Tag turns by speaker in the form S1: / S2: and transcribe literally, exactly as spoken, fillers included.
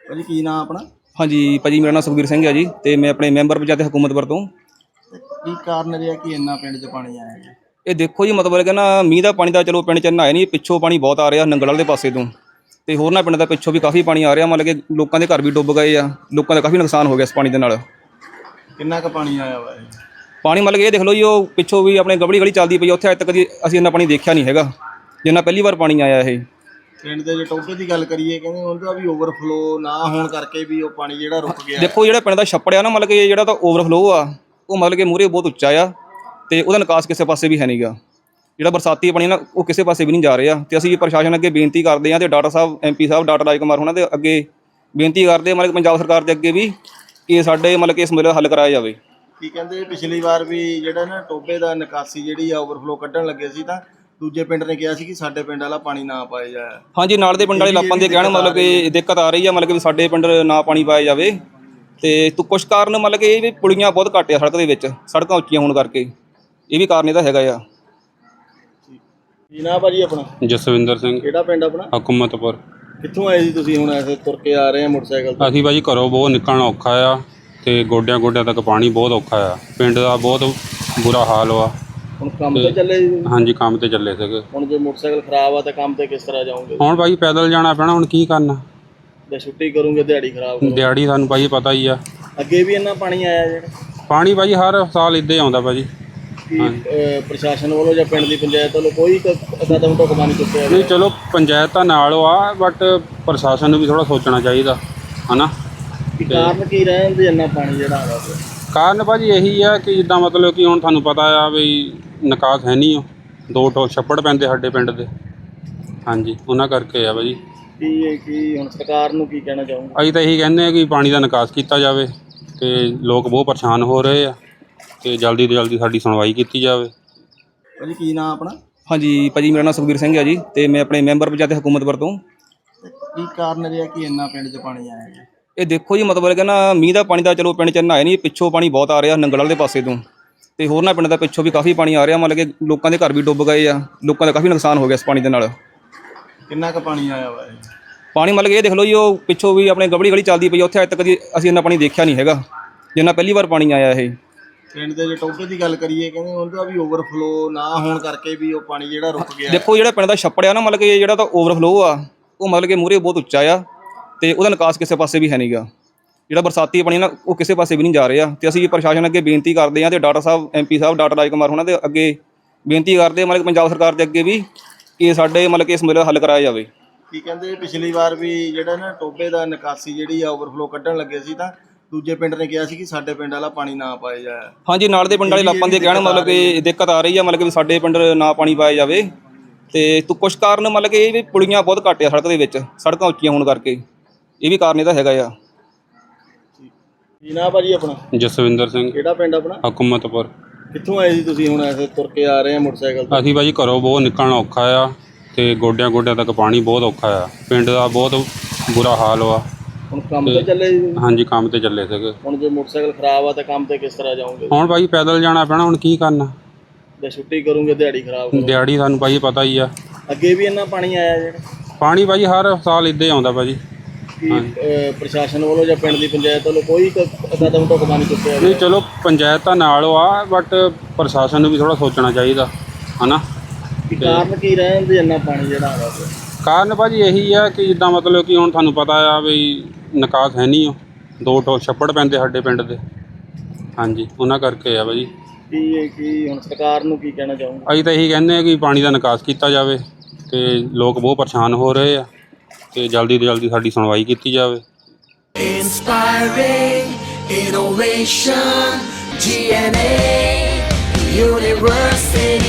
S1: ਭਾਜੀ ਕੀ ਨਾਮ ਆਪਣਾ?
S2: ਹਾਂਜੀ ਭਾਜੀ, ਮੇਰਾ ਨਾਮ ਸੁਖਬੀਰ ਸਿੰਘ ਹੈ ਜੀ ਤੇ ਮੈਂ ਆਪਣੇ ਮੈਂਬਰ ਪੰਚਾਇਤ ਹਕੂਮਤਪੁਰ ਤੋਂ।
S1: ਕੀ ਕਾਰਨ ਰਿਹਾ ਕਿ ਇੰਨਾ ਪਿੰਡ 'ਚ ਪਾਣੀ ਆਇਆ ਜੀ?
S2: ਇਹ ਦੇਖੋ ਜੀ, ਮਤਲਬ ਕਿ ਨਾ ਮੀਂਹ ਦਾ ਪਾਣੀ ਦਾ ਚਲੋ ਪਿੰਡ 'ਚ ਇੰਨਾ ਹੈ ਨਹੀਂ, ਪਿੱਛੋਂ ਪਾਣੀ ਬਹੁਤ ਆ ਰਿਹਾ ਨੰਗਲ ਵਾਲੇ ਪਾਸੇ ਤੋਂ, ਤੇ ਹੋਰਨਾਂ ਪਿੰਡ ਦਾ ਪਿੱਛੋਂ ਵੀ ਕਾਫੀ ਪਾਣੀ ਆ ਰਿਹਾ। ਮਤਲਬ ਕਿ ਲੋਕਾਂ ਦੇ ਘਰ ਵੀ ਡੁੱਬ ਗਏ ਆ, ਲੋਕਾਂ ਦਾ ਕਾਫੀ ਨੁਕਸਾਨ ਹੋ ਗਿਆ ਇਸ ਪਾਣੀ ਦੇ ਨਾਲ।
S1: ਕਿੰਨਾ ਕੁ ਪਾਣੀ ਆਇਆ ਵਾ ਜੀ?
S2: ਪਾਣੀ ਮਤਲਬ ਕਿ ਇਹ ਦੇਖ ਲਓ ਜੀ, ਉਹ ਪਿੱਛੋਂ ਵੀ ਆਪਣੇ ਗਬੜੀ ਗਲੀ ਚੱਲਦੀ ਪਈ, ਉੱਥੇ ਅੱਜ ਤੱਕ ਕਦੀ ਅਸੀਂ ਇੰਨਾ ਪਾਣੀ ਦੇਖਿਆ ਨਹੀਂ ਹੈਗਾ ਜਿੰਨਾ ਪਹਿਲੀ ਵਾਰ ਪਾਣੀ ਆਇਆ ਇਹ।
S1: ਪਿੰਡ ਦੇ ਜੇ ਟੋਭੇ ਦੀ ਗੱਲ ਕਰੀਏ, ਕਹਿੰਦੇ ਉਹਦਾ ਵੀ ਓਵਰਫਲੋ ਨਾ ਹੋਣ ਕਰਕੇ ਵੀ ਉਹ ਪਾਣੀ ਜਿਹੜਾ ਰੁਕ ਗਿਆ।
S2: ਦੇਖੋ ਜਿਹੜਾ ਪਿੰਡ ਦਾ ਛੱਪੜ ਆ ਨਾ, ਮਤਲਬ ਕਿ ਜਿਹੜਾ ਤਾਂ ਓਵਰਫਲੋ ਆ ਉਹ ਮਤਲਬ ਕਿ ਮੂਹਰੇ ਬਹੁਤ ਉੱਚਾ ਆ, ਤੇ ਉਹਦਾ ਨਿਕਾਸ ਕਿਸੇ ਪਾਸੇ ਵੀ ਹੈ ਨਹੀਂਗਾ। ਜਿਹੜਾ ਬਰਸਾਤੀ ਪਾਣੀ ਨਾ ਉਹ ਕਿਸੇ ਪਾਸੇ ਵੀ ਨਹੀਂ ਜਾ ਰਿਹਾ, ਤੇ ਅਸੀਂ ਪ੍ਰਸ਼ਾਸਨ ਅੱਗੇ ਬੇਨਤੀ ਕਰਦੇ ਹਾਂ, ਤੇ ਡਾਕਟਰ ਸਾਹਿਬ ਐਮ ਪੀ ਸਾਹਿਬ ਡਾਕਟਰ ਰਾਜ ਕੁਮਾਰ ਉਹਨਾਂ ਦੇ ਅੱਗੇ ਬੇਨਤੀ ਕਰਦੇ ਮਤਲਬ ਕਿ ਪੰਜਾਬ ਸਰਕਾਰ ਦੇ ਅੱਗੇ ਵੀ ਕਿ ਸਾਡੇ ਮਤਲਬ ਕਿ ਇਸ ਮਸਲੇ ਦਾ ਹੱਲ ਕਰਾਇਆ ਜਾਵੇ।
S1: ਕੀ ਕਹਿੰਦੇ ਪਿਛਲੀ ਵਾਰ ਵੀ ਜਿਹੜਾ ਨਾ ਟੋਭੇ ਦਾ ਨਿਕਾਸੀ ਜਿਹੜੀ ਆ ਓਵਰਫਲੋ ਕੱਢਣ ਲੱਗੇ ਸੀ, ਤਾਂ ਦੂਜੇ ਪਿੰਡ ਨੇ ਕਿਹਾ ਸੀ ਕਿ ਸਾਡੇ ਪਿੰਡ ਵਾਲਾ ਪਾਣੀ ਨਾ ਪਾਇਆ ਜਾਏ। ਹਾਂਜੀ,
S2: ਨਾਲ ਦੇ ਪਿੰਡ ਵਾਲੇ ਲਾਪਾਂ ਦੇ ਕਹਿਣ ਮਤਲਬ ਕਿ ਦਿੱਕਤ ਆ ਰਹੀ ਆ, ਮਤਲਬ ਕਿ ਸਾਡੇ ਪਿੰਡ ਨਾ ਪਾਣੀ ਪਾਇਆ ਜਾਵੇ। ਤੇ ਤੂੰ ਕੁਛ ਕਾਰਨ ਮਤਲਬ ਕਿ ਇਹ ਵੀ ਪੁਲੀਆਂ ਬਹੁਤ ਘੱਟ ਆ ਸੜਕ ਦੇ ਵਿੱਚ, ਸੜਕਾਂ ਉੱਚੀਆਂ ਹੋਣ ਕਰਕੇ ਇਹ ਵੀ ਕਾਰਨ ਇਹਦਾ ਹੈਗਾ ਆ।
S1: ਕੀ ਨਾਮ ਭਾਜੀ ਆਪਣਾ?
S3: ਜਸਵਿੰਦਰ ਸਿੰਘ।
S1: ਕਿਹੜਾ ਪਿੰਡ ਆਪਣਾ?
S3: ਹਕੂਮਤਪੁਰ।
S1: ਕਿੱਥੋਂ ਆਏ ਸੀ ਤੁਸੀਂ? ਹੁਣ ਐਸੇ ਤੁਰ ਕੇ ਆ ਰਹੇ ਆ ਮੋਟਰਸਾਈਕਲ ਤੇ?
S3: ਅਸੀਂ ਭਾਜੀ ਘਰੋਂ ਬਹੁਤ ਨਿਕਲਣਾ ਔਖਾ ਆ, ਤੇ ਗੋਡਿਆਂ ਗੋਡਿਆਂ ਤੱਕ ਪਾਣੀ ਬਹੁਤ ਔਖਾ ਆ, ਪਿੰਡ ਦਾ ਬਹੁਤ ਬੁਰਾ ਹਾਲ ਵਾ।
S1: ਹੁਣ ਕੰਮ ਤੇ ਚੱਲੇ ਜੀ?
S3: ਹਾਂਜੀ, ਕੰਮ ਤੇ ਚੱਲੇ ਸੀਗੇ।
S1: ਹੁਣ ਜੇ ਮੋਟਰਸਾਈਕਲ ਖਰਾਬ ਆ ਤਾਂ ਕੰਮ ਤੇ ਕਿਸ ਤਰ੍ਹਾਂ ਜਾਓਗੇ?
S3: ਹੁਣ ਭਾਈ ਪੈਦਲ ਜਾਣਾ ਪੈਣਾ, ਹੁਣ ਕੀ ਕਰਨਾ।
S1: ਜੇ ਛੁੱਟੀ ਕਰੋਗੇ ਦਿਹਾੜੀ ਖਰਾਬ ਹੋ
S3: ਦਿਹਾੜੀ ਸਾਨੂੰ ਭਾਈ ਪਤਾ ਹੀ ਆ।
S1: ਅੱਗੇ ਵੀ ਇੰਨਾ ਪਾਣੀ ਆਇਆ ਜਿਹੜਾ?
S3: ਪਾਣੀ ਭਾਜੀ ਹਰ ਸਾਲ ਇੱਦਾਂ ਹੀ ਆਉਂਦਾ ਭਾਜੀ।
S1: ਕੀ ਪ੍ਰਸ਼ਾਸਨ ਵੱਲੋਂ ਜਾਂ ਪਿੰਡ ਦੀ ਪੰਚਾਇਤ ਵੱਲੋਂ ਕੋਈ ਕਦਮ ਢੁਕਵਾਂ ਨਹੀਂ ਚੁੱਕਿਆ?
S3: ਨਹੀਂ, ਚਲੋ ਪੰਚਾਇਤ ਤਾਂ ਨਾਲ ਆ, ਬਟ ਪ੍ਰਸ਼ਾਸਨ ਨੂੰ ਵੀ ਥੋੜ੍ਹਾ ਸੋਚਣਾ ਚਾਹੀਦਾ ਹੈ ਨਾ।
S1: ਕਾਰਨ ਕੀ ਰਹਿਣ ਦੇ ਇੰਨਾ ਪਾਣੀ ਜਿਹੜਾ ਆ ਰਿਹਾ?
S3: ਕਾਰਨ ਭਾਜੀ ਇਹੀ ਆ ਕਿ ਜਿੱਦਾਂ ਮਤਲਬ ਕਿ ਹੁਣ ਤੁਹਾਨੂੰ ਪਤਾ ਆ ਵੀ ਨਿਕਾਸ ਹੈ ਨਹੀਂ, ਉਹ ਦੋ ਟੋ ਛੱਪੜ ਪੈਂਦੇ ਸਾਡੇ ਪਿੰਡ ਦੇ। ਹਾਂਜੀ, ਉਹਨਾਂ ਕਰਕੇ ਆ ਭਾਜੀ।
S1: ਕੀ ਕੀ ਹੁਣ ਸਰਕਾਰ ਨੂੰ ਕੀ ਕਹਿਣਾ ਚਾਹੂੰਗਾ?
S3: ਅਸੀਂ ਤਾਂ ਇਹੀ ਕਹਿੰਦੇ ਆ ਕਿ ਪਾਣੀ ਦਾ ਨਿਕਾਸ ਕੀਤਾ ਜਾਵੇ, ਤੇ ਲੋਕ ਬਹੁਤ ਪਰੇਸ਼ਾਨ ਹੋ ਰਹੇ ਆ, ਤੇ ਜਲਦੀ ਤੋਂ ਜਲਦੀ ਸਾਡੀ ਸੁਣਵਾਈ ਕੀਤੀ ਜਾਵੇ।
S1: ਭਾਜੀ ਕੀ ਨਾਮ ਆਪਣਾ?
S2: ਹਾਂਜੀ ਭਾਜੀ, ਮੇਰਾ ਨਾਮ ਸੁਖਬੀਰ ਸਿੰਘ ਹੈ ਜੀ ਤੇ ਮੈਂ ਆਪਣੇ ਮੈਂਬਰ ਪੰਚਾਇਤ ਹਕੂਮਤਪੁਰ ਤੋਂ।
S1: ਕੀ ਕਾਰਨ ਰਿਹਾ ਕਿ ਇੰਨਾ ਪਿੰਡ 'ਚ ਪਾਣੀ ਆਇਆ ਜੀ?
S2: ਇਹ ਦੇਖੋ ਜੀ, ਮਤਲਬ ਕਿ ਨਾ ਮੀਂਹ ਦਾ ਪਾਣੀ ਦਾ ਚਲੋ ਪਿੰਡ 'ਚ ਇੰਨਾ ਹੈ ਨਹੀਂ, ਪਿੱਛੋਂ ਪਾਣੀ ਬਹੁਤ ਆ ਰਿਹਾ ਨੰਗਲ ਵਾਲੇ ਪਾਸੇ ਤੋਂ, ਤੇ ਹੋਰਨਾਂ ਪਿੰਡ ਦਾ ਪਿੱਛੋਂ ਵੀ ਕਾਫੀ ਪਾਣੀ ਆ ਰਿਹਾ। ਮਤਲਬ ਕਿ ਲੋਕਾਂ ਦੇ ਘਰ ਵੀ ਡੁੱਬ ਗਏ ਆ, ਲੋਕਾਂ ਦਾ ਕਾਫੀ ਨੁਕਸਾਨ ਹੋ ਗਿਆ ਇਸ ਪਾਣੀ ਦੇ ਨਾਲ।
S1: ਕਿੰਨਾ ਕੁ ਪਾਣੀ ਆਇਆ ਵਾ ਜੀ?
S2: ਪਾਣੀ ਮਤਲਬ ਕਿ ਇਹ ਦੇਖ ਲਓ ਜੀ, ਉਹ ਪਿੱਛੋਂ ਵੀ ਆਪਣੇ ਗਬੜੀ ਗਲੀ ਚੱਲਦੀ ਪਈ, ਉੱਥੇ ਅੱਜ ਤੱਕ ਕਦੀ ਅਸੀਂ ਇੰਨਾ ਪਾਣੀ ਦੇਖਿਆ ਨਹੀਂ ਹੈਗਾ ਜਿੰਨਾ ਪਹਿਲੀ ਵਾਰ ਪਾਣੀ ਆਇਆ ਇਹ।
S1: ਪਿੰਡ ਦੇ ਜੇ ਟੋਭੇ ਦੀ ਗੱਲ ਕਰੀਏ, ਕਹਿੰਦੇ ਉਹਦਾ ਵੀ ਓਵਰਫਲੋ ਨਾ ਹੋਣ ਕਰਕੇ ਵੀ ਉਹ ਪਾਣੀ ਜਿਹੜਾ ਰੁਕ ਗਿਆ।
S2: ਦੇਖੋ ਜਿਹੜਾ ਪਿੰਡ ਦਾ ਛੱਪੜ ਆ ਨਾ, ਮਤਲਬ ਕਿ ਜਿਹੜਾ ਤਾਂ ਓਵਰਫਲੋ ਆ ਉਹ ਮਤਲਬ ਕਿ ਮੂਹਰੇ ਬਹੁਤ ਉੱਚਾ ਆ, ਤੇ ਉਹਦਾ ਨਿਕਾਸ ਕਿਸੇ ਪਾਸੇ ਵੀ ਹੈ ਨਹੀਂਗਾ। ਜਿਹੜਾ ਬਰਸਾਤੀ ਪਾਣੀ ਨਾ ਉਹ ਕਿਸੇ ਪਾਸੇ ਵੀ ਨਹੀਂ ਜਾ ਰਿਹਾ, ਤੇ ਅਸੀਂ ਪ੍ਰਸ਼ਾਸਨ ਅੱਗੇ ਬੇਨਤੀ ਕਰਦੇ ਹਾਂ, ਤੇ ਡਾਕਟਰ ਸਾਹਿਬ ਐਮ ਪੀ ਸਾਹਿਬ ਡਾਕਟਰ ਰਾਜ ਕੁਮਾਰ ਉਹਨਾਂ ਦੇ ਅੱਗੇ ਬੇਨਤੀ ਕਰਦੇ ਮਤਲਬ ਕਿ ਪੰਜਾਬ ਸਰਕਾਰ ਦੇ ਅੱਗੇ ਵੀ ਕਿ ਸਾਡੇ ਮਤਲਬ ਕਿ ਇਸ ਮਸਲੇ ਦਾ ਹੱਲ ਕਰਾਇਆ ਜਾਵੇ।
S1: ਕੀ ਕਹਿੰਦੇ ਪਿਛਲੀ ਵਾਰ ਵੀ ਜਿਹੜਾ ਨਾ ਟੋਭੇ ਦਾ ਨਿਕਾਸੀ ਜਿਹੜੀ ਆ ਓਵਰਫਲੋ ਕੱਢਣ ਲੱਗੇ ਸੀ, ਤਾਂ ਦੂਜੇ ਪਿੰਡ ਨੇ ਕਿਹਾ ਸੀ ਕਿ ਸਾਡੇ ਪਿੰਡ ਵਾਲਾ ਪਾਣੀ ਨਾ ਪਾਇਆ ਜਾਏ। ਹਾਂਜੀ,
S2: ਨਾਲ ਦੇ ਪਿੰਡ ਵਾਲੇ ਲਾਪਾਂ ਦੇ ਕਹਿਣ ਮਤਲਬ ਕਿ ਦਿੱਕਤ ਆ ਰਹੀ ਆ, ਮਤਲਬ ਕਿ ਸਾਡੇ ਪਿੰਡ ਨਾ ਪਾਣੀ ਪਾਇਆ ਜਾਵੇ। ਤੇ ਤੂੰ ਕੁਛ ਕਾਰਨ ਮਤਲਬ ਕਿ ਇਹ ਵੀ ਪੁਲੀਆਂ ਬਹੁਤ ਘੱਟ ਆ ਸੜਕ ਦੇ ਵਿੱਚ, ਸੜਕਾਂ ਉੱਚੀਆਂ ਹੋਣ ਕਰਕੇ ਇਹ ਵੀ ਕਾਰਨ ਇਹਦਾ ਹੈਗਾ ਆ।
S1: ਕੀ ਨਾਮ ਭਾਜੀ ਆਪਣਾ?
S3: ਜਸਵਿੰਦਰ ਸਿੰਘ।
S1: ਕਿਹੜਾ ਪਿੰਡ ਆਪਣਾ?
S3: ਹਕੂਮਤਪੁਰ।
S1: ਕਿੱਥੋਂ ਆਏ ਸੀ ਤੁਸੀਂ? ਹੁਣ ਐਸੇ ਤੁਰ ਕੇ ਆ ਰਹੇ ਆ ਮੋਟਰਸਾਈਕਲ ਤੇ?
S3: ਅਸੀਂ ਭਾਜੀ ਘਰੋਂ ਬਹੁਤ ਨਿਕਲਣਾ ਔਖਾ ਆ, ਤੇ ਗੋਡਿਆਂ ਗੋਡਿਆਂ ਤੱਕ ਪਾਣੀ ਬਹੁਤ ਔਖਾ ਆ, ਪਿੰਡ ਦਾ ਬਹੁਤ ਬੁਰਾ ਹਾਲ ਵਾ।
S1: ਹੁਣ ਕੰਮ ਤੇ ਚੱਲੇ ਜੀ?
S3: ਹਾਂਜੀ, ਕੰਮ ਤੇ ਚੱਲੇ ਸੀਗੇ।
S1: ਹੁਣ ਜੇ ਮੋਟਰਸਾਈਕਲ ਖਰਾਬ ਆ ਤਾਂ ਕੰਮ ਤੇ ਕਿਸ ਤਰ੍ਹਾਂ ਜਾਓਗੇ?
S3: ਹੁਣ ਭਾਈ ਪੈਦਲ ਜਾਣਾ ਪੈਣਾ, ਹੁਣ ਕੀ ਕਰਨਾ।
S1: ਜੇ ਛੁੱਟੀ ਕਰੋਗੇ ਦਿਹਾੜੀ ਖਰਾਬ ਹੋ
S3: ਦਿਹਾੜੀ ਸਾਨੂੰ ਭਾਈ ਪਤਾ ਹੀ ਆ।
S1: ਅੱਗੇ ਵੀ ਇੰਨਾ ਪਾਣੀ ਆਇਆ ਜਿਹੜਾ?
S3: ਪਾਣੀ ਭਾਜੀ ਹਰ ਸਾਲ ਇੱਦਾਂ ਹੀ ਆਉਂਦਾ ਭਾਜੀ।
S1: ਕੀ ਪ੍ਰਸ਼ਾਸਨ ਵੱਲੋਂ ਜਾਂ ਪਿੰਡ ਦੀ ਪੰਚਾਇਤ ਵੱਲੋਂ ਕੋਈ ਕਦਮ ਢੁਕਵਾਂ ਨਹੀਂ ਚੁੱਕਿਆ?
S3: ਨਹੀਂ, ਚਲੋ ਪੰਚਾਇਤ ਤਾਂ ਨਾਲ ਆ, ਬਟ ਪ੍ਰਸ਼ਾਸਨ ਨੂੰ ਵੀ ਥੋੜ੍ਹਾ ਸੋਚਣਾ ਚਾਹੀਦਾ ਹੈ ਨਾ।
S1: ਕਾਰਨ ਕੀ ਰਹਿਣ ਦੇ ਇੰਨਾ ਪਾਣੀ ਜਿਹੜਾ ਆ ਰਿਹਾ?
S3: ਕਾਰਨ ਭਾਜੀ ਇਹੀ ਆ ਕਿ ਜਿੱਦਾਂ ਮਤਲਬ ਕਿ ਹੁਣ ਤੁਹਾਨੂੰ ਪਤਾ ਆ ਵੀ ਨਿਕਾਸ ਹੈ ਨਹੀਂ, ਉਹ ਦੋ ਟੋ ਛੱਪੜ ਪੈਂਦੇ ਸਾਡੇ ਪਿੰਡ ਦੇ। ਹਾਂਜੀ, ਉਹਨਾਂ ਕਰਕੇ ਆ ਭਾਜੀ।
S1: ਕੀ ਕੀ ਹੁਣ ਸਰਕਾਰ ਨੂੰ ਕੀ ਕਹਿਣਾ ਚਾਹੂੰਗਾ?
S3: ਅਸੀਂ ਤਾਂ ਇਹੀ ਕਹਿੰਦੇ ਆ ਕਿ ਪਾਣੀ ਦਾ ਨਿਕਾਸ ਕੀਤਾ ਜਾਵੇ, ਤੇ ਲੋਕ ਬਹੁਤ ਪਰੇਸ਼ਾਨ ਹੋ ਰਹੇ ਆ, ਤੇ ਜਲਦੀ ਤੋਂ ਜਲਦੀ ਸਾਡੀ ਸੁਣਵਾਈ ਕੀਤੀ ਜਾਵੇ। Inspiring innovation, G N A University।